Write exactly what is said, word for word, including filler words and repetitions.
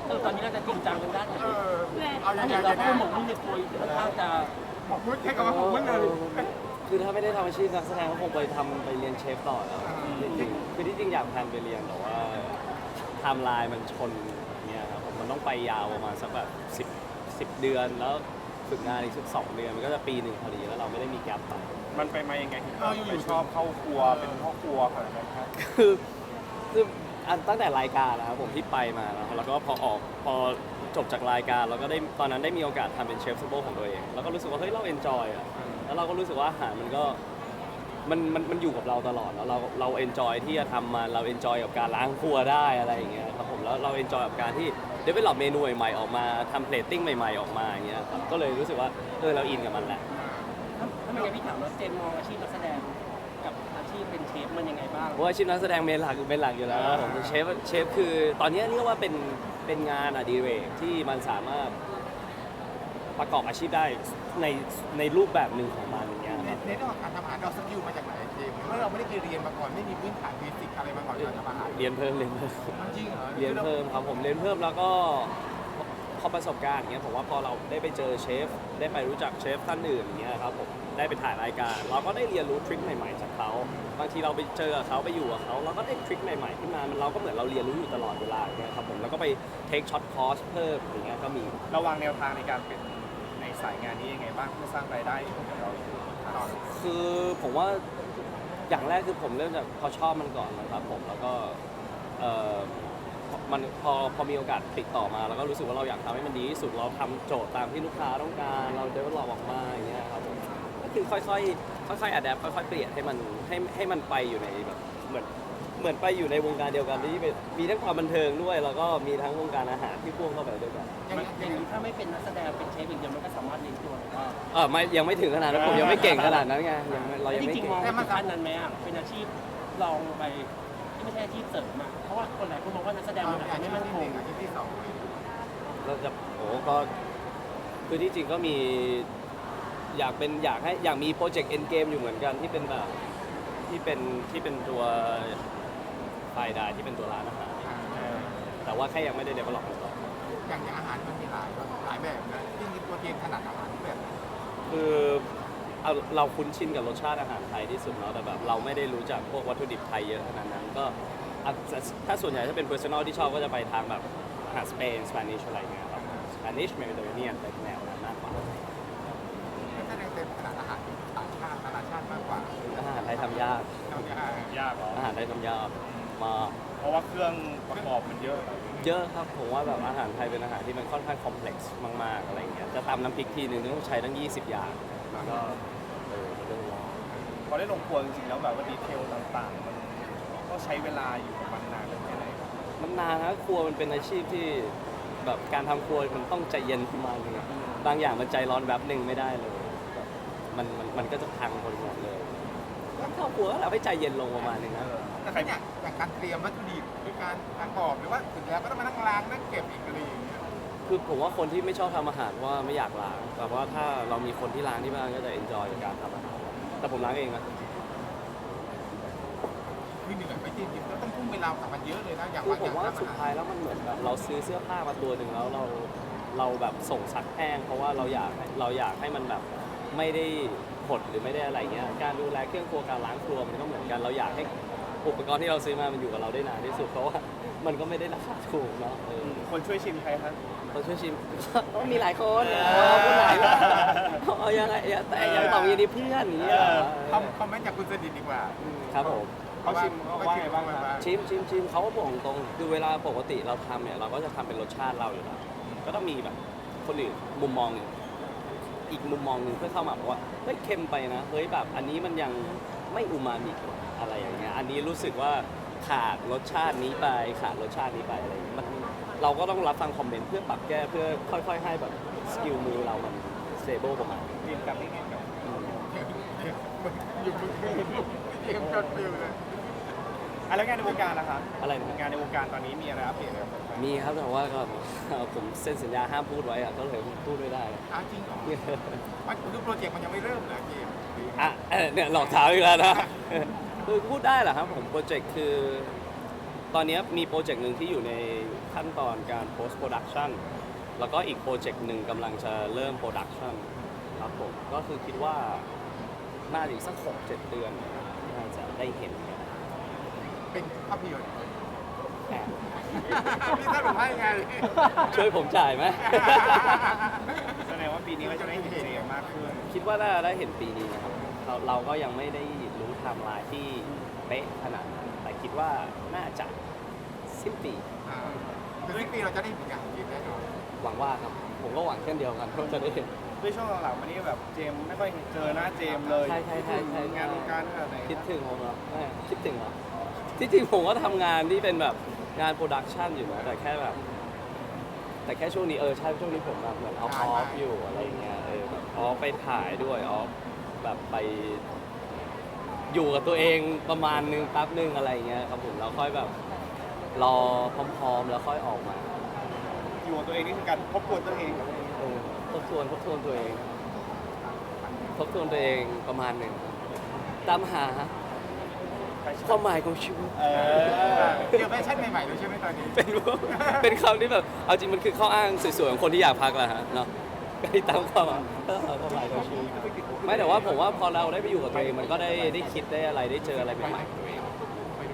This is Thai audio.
เออตอนนี้เราจะจริงจังทางด้านไหนเออเอาอถ้าย่างเห็นไรเราพูดหมกมุ่นในตัวค่อนข้างจะบอกพูดแค่คำว่าผมมันเลยคือถ้าไม่ได้ทำอาชีพนักแสดงก็คงไปทำไปเรียนเชฟต่อแล้วอ่าจริงๆคือที่จริงอยากแพลนไปเรียนแต่ว่าไทม์ไลน์มันชนเนี่ยครับผมมันต้องไปยาวประมาณสักแบบสิบสิบเดือนแล้วฝึกงานอีกสักสองเดือนมันก็จะปีหนึ่งพอดีแล้วเราไม่ได้มีแกลบไปมันไปมายังไงถึงเราไปชอบเข้าครัวเป็นพ่อครัวขนาดนั้นครับคือคืออันตั้งแต่รายการนะครับผมที่ไปมาแล้วแล้วก็พอออกพอจบจากรายการเราก็ได้ตอนนั้นได้มีโอกาสทำเป็นเชฟซูเปอร์ของตัวเองแล้วก็รู้สึกว่าเฮ้ยเราเอนจอยอ่ะแล้วเราก็รู้สึกว่าอาหารมันก็มันมันมันอยู่กับเราตลอดแล้วเราเราเอนจอยที่จะทำมันเราเอนจอยกับการล้างครัวได้อะไรอย่างเงี้ยครับผมแล้วเราเอนจอยกับการที่เดเวลลอปเมนูใหม่ๆออกมาทำเพลตติ้งใหม่ๆออกมาอย่างเงี้ยครับก็เลยรู้สึกว่าเออเราอินกับมันแหละถ้าไม่งั้นพี่ถามว่าเจมมองอาชีพนักแสดงกับอาชีพเป็นเชฟมันยังไงบ้างเพราะว่าอาชีพนักแสดงเมนหลักเป็นหลักอยู่แล้วครับผมเชฟเชฟคือตอนนี้เรียกว่าเป็นเป็นงานอดิเรกที่มันสามารถประกอบอาชีพได้ในในรูปแบบหนึ่งของมันอย่างเงี้ยในครับในเรื่องของการทำอาหารเราสกิลมาจากไหนเจมส์เมื่อเราไม่ได้เคยเรียนมาก่อนไม่มีพื้นฐานเบสิกอะไรมาก่อนการทำอาหารเรียนเพิ่มเรียนเพิ่มจริงเหรอเรียนเพิ่มครับผมเรียนเพิ่มแล้วก็พอประสบการณ์อย่างเงี้ยผมว่าพอเราได้ไปเจอเชฟได้ไปรู้จักเชฟท่านอื่นอย่างเงี้ยครับผมได้ไปถ่ายรายการ เราก็ได้เรียนรู้ทริคใหม่ๆจากเขาบางทีเราไปเจอกับเขาไปอยู่กับเขาเราก็ได้ทริคใหม่ๆขึ้นมามันเราก็เหมือนเราเรียนรู้อยู่ตลอดเวลาอย่างเงี้ยครับผมแล้วก็ไปเทคช็อตคอร์สเพิ่มอย่างเงี้ยก็มีเราวางแนวทางในการเป็นในสายงานนี้ยังไงบ้างเพื่อสร้างรายได้ให้กับเราคือผมว่าอย่างแรกคือผมเริ่มจากพอชอบมันก่อนนะครับผมแล้วก็เอ่อมันพอพอมีโอกาสติดต่อมาแล้วก็รู้สึกว่าเราอยากทำให้มันดีที่สุดเราทำโจทย์ตามที่ลูกค้าต้องการเราเดเวลลอปออกมาอย่างเงี้ยครับผมก็คือค่อยๆค่อยๆอัดแอปค่อยๆเปลี่ยนให้มันให้ให้มันไปอยู่ในแบบเหมือนเหมือนไปอยู่ในวงการเดียวกันที่เป็นมีทั้งความบันเทิงด้วยแล้วก็มีทั้งวงการอาหารที่พ่วงเข้าไปด้วยกันอย่างอย่างนี้ถ้าไม่เป็นนักแสดงเป็นเชฟอย่างเดียวมันก็สามารถเลี้ยงตัวได้เออไม่ยังไม่ถึงขนาดนั้นผมยังไม่เก่งขนาดนั้นไงยังไม่เรายังจไม่ริงเก่ๆมองงถึงขั้นนั้นไหมอ่ะเป็นอาชีพลองไปที่ไม่ใช่อาชีพเสริมอ่ะเพราะว่าคนหลายคนมองว่านักแสดงมันอาจจะไม่มั่นคงอาชีพที่สองเราจะโอ้ก็คือที่จริงก็มีอยากเป็นอยากให้อยากมีโปรเจกต์เอ็นเกมอยู่เหมือนกันที่เป็นแบบที่เป็นที่เป็นตัวไฟได้ที่เป็นตัวร้านอาหารแต่ว่าแค่ยังไม่ได้เดเวลลอปอย่างอย่างอาหารมันมีหลายหลายแบบนะที่มีตัวเกมถนัดอาหารแบบคือเอาเราคุ้นชินกับรสชาติอาหารไทยที่สุดแล้วแต่แบบเราไม่ได้รู้จักพวกวัตถุดิบไทยเยอะขนาดนั้นก็อ่ะถ้าส่วนใหญ่ถ้าเป็น personal ที่ชอบก็จะไปทางแบบอาหารสเปนสเปนิชอะไรเงี้ยครับสเปนิชเมดิเตอร์เรเนียนเป็นแนวนั้นมากกว่านักแสดงเต็มถนัดอาหารต่างชาตินานาชาติมากกว่าอาหารไทยทำยากเราจะยากเหรออาหารไทยทำยากมากเพราะว่าเครื่องประกอบมันเยอะเยอะครับผมว่าแบบอาหารไทยเป็นอาหารที่มันค่อนข้างคอมเพล็กซ์มากๆอะไรเงี้ยจะตำน้ำพริกทีนึงต้องใช้ตั้งยี่สิบอย่างมันก็เออมันเรื่องยากพอได้ลงครัวจริงๆแล้วแบบว่าดีเทลต่างๆ มันก็ใช้เวลาอยู่กับมันนานแค่ไหนครับมันนานนะครัวมันเป็นอาชีพที่แบบการทำครัวมันต้องใจเย็นประมาณนึงอะบางอย่างมันใจร้อนแบบหนึ่งไม่ได้เลยแบบมันมันมันก็จะพังคนหมดเลยต้องเข้าครัวแล้วให้ใจเย็นลงประมาณนึงนะแต่ขนาดอย่างการเตรียมวัตถุดิบหรือการการกรอบหรือว่าถึงแล้วก็ต้องมานั่งล้างนั่งเก็บอีกอะไรอย่างเงี้ยคือผมว่าคนที่ไม่ชอบทำอาหารว่าไม่อยากล้างแต่ว่าถ้าเรามีคนที่ล้างที่บ้านก็จะเอนจอยกับการทำอาหารแต่ผมล้างเองนะคือเหนื่อยไปจริงๆก็ต้องทุ่มเวลากับมันเยอะเลยนะอย่างคือว่าผอย่าม งว่าทำสุดอาท้าหารยแล้วมันเหมือนแบบเราซื้อเสื้อผ้ามาตัวหนึ่งแล้วเราเราแบบส่งซักแห้งเพราะว่าเราอยากเราอยากให้มันแบบไม่ได้หดหรือไม่ได้อะไรเงี้ยการดูแลเครื่องครัวการล้างครัวมันก็เหมือนกันเราอยากให้อุปกรณ์ที่เราซื้อมามันอยู่กับเราได้นานที่สุดเพราะว่ามันก็ไม่ได้ราคาถูกเนาะเออคนช่วยชิมใครครับคนช่วยชิม ก็มีหลายคนเอาคนไหนล่ะเอายังไงแต่ยังตอบอย่างนี้เพื่อนอย่างเงี้ยคอมคอมเมนต์จากคุณสนิทดีกว่าครับผมเขาชิมเขาว่าไงบ้างครับชิมชิมชิมเขาก็บอกตรงๆคือเวลาปกติเราทำเนี่ยเราก็จะทำเป็นรสชาติเราอยู่แล้วก็ต้องมีแบบคนอื่นมุมมองหนึ่งอีกมุมมองหนึ่งเพื่อเข้ามาบอกว่าเฮ้ยเค็มไปนะเฮ้ยแบบอันนี้มันยังไม่อูมามิอะไรอย่างเงี้ยอันนี้รู้สึกว่าขาดรสชาตินี้ไปขาดรสชาตินี้ไปอะไรอย่างเงี้ยมันเราก็ต้องรับฟังคอมเมนต์เพื่อปรับแก้เพื่อค่อยๆให้แบบสกิลมือเรามันสเตเบิลประมาณนึงเรียนกับนี่ไงกับอยู่มือเตรียมจดฟิวเลยอ่ะแล้วงานในวงการล่ะครับอะไรนะงานในวงการตอนนี้มีอะไรอัปเดตไหมครับมีครับแต่ว่าก็ผมเซ็นสัญญาห้ามพูดไว้อะก็เลยพูดไม่ได้อ้าวจริงเหรอมันคือโปรเจกต์มันยังไม่เริ่มเลยเกมอ่ะเออเนี่ยหลอกถามอีกแล้วนะคือพูดได้เหรอครับผมโปรเจกต์คือตอนนี้มีโปรเจกต์หนึ่งที่อยู่ในขั้นตอนการ post production แล้วก็อีกโปรเจกต์หนึ่งกำลังจะเริ่ม production ครับผมก็คือคิดว่าน่าจะอีกสักหกเจ็ดเดือนน่าจะได้เห็นกันเป็นภาพยนตร์แอบพี่ท่านบอกให้ไงช่วยผมจ่ายไหมแสดงว่าปีนี้ก็จะได้เห็นเจมากขึ้นคิดว่าน่าจะได้เห็นปีนี้นะครับเราเราก็ยังไม่ได้รู้ไทม์ไลน์ที่เป๊ะขนาดนั้นแต่คิดว่าน่าจะสิ้นปีอ่าคือสิ้นปีเราจะได้เห็นอย่างจริงแน่นอนหวังว่าครับ ผมก็หวังเช่นเดียวกันว่าจะได้เห็นด้วยช่วงหลังๆมานี้แบบเจมไม่ค่อยเจอหน้าเจมเลยใช่ใช่ใช่ใช่งานวงการขนาดไหนคิดถึงผมเหรอไม่คิดถึงเหรอที่จริงผมก็ทำงานที่เป็นแบบงานโปรดักชันอยู่นะแต่แค่แบบ แต่แค่ช่วงนี้เออใช่ช่วงนี้ผมแบบเหมือนออฟออฟอยู่อะไรอย่างเงี้ยเออแบบออฟไปถ่ายด้วยออฟแบบไปอยู่กับตัวเองประมาณนึงแป๊บนึงอะไรอย่างเงี้ยครับผมแล้วค่อยแบบรอพร้อมๆแล้วค่อยออกมาอยู่กับตัวเองนี่คือการพบทวนตัวเองกับเออทบทวนทบทวนตัวเองทบทวนตัวเองประมาณหนึ่งตามหาความหมายของชีวิตเออเจอแฟชั่นใหม่ๆเลยใช่ไหมตอนนี้เป็นพวกเป็นคำที่แบบเอาจริงมันคือข้ออ้างสวยๆของคนที่อยากพักแหละฮะเนาะก็ตามความหมายความหมายของชีวิตไม่แต่ว่าผมว่าพอเราได้ไปอยู่กับตัวเองมันก็ได้ได้คิดได้อะไรได้เจออะไรใหม่ๆกับตัวเอง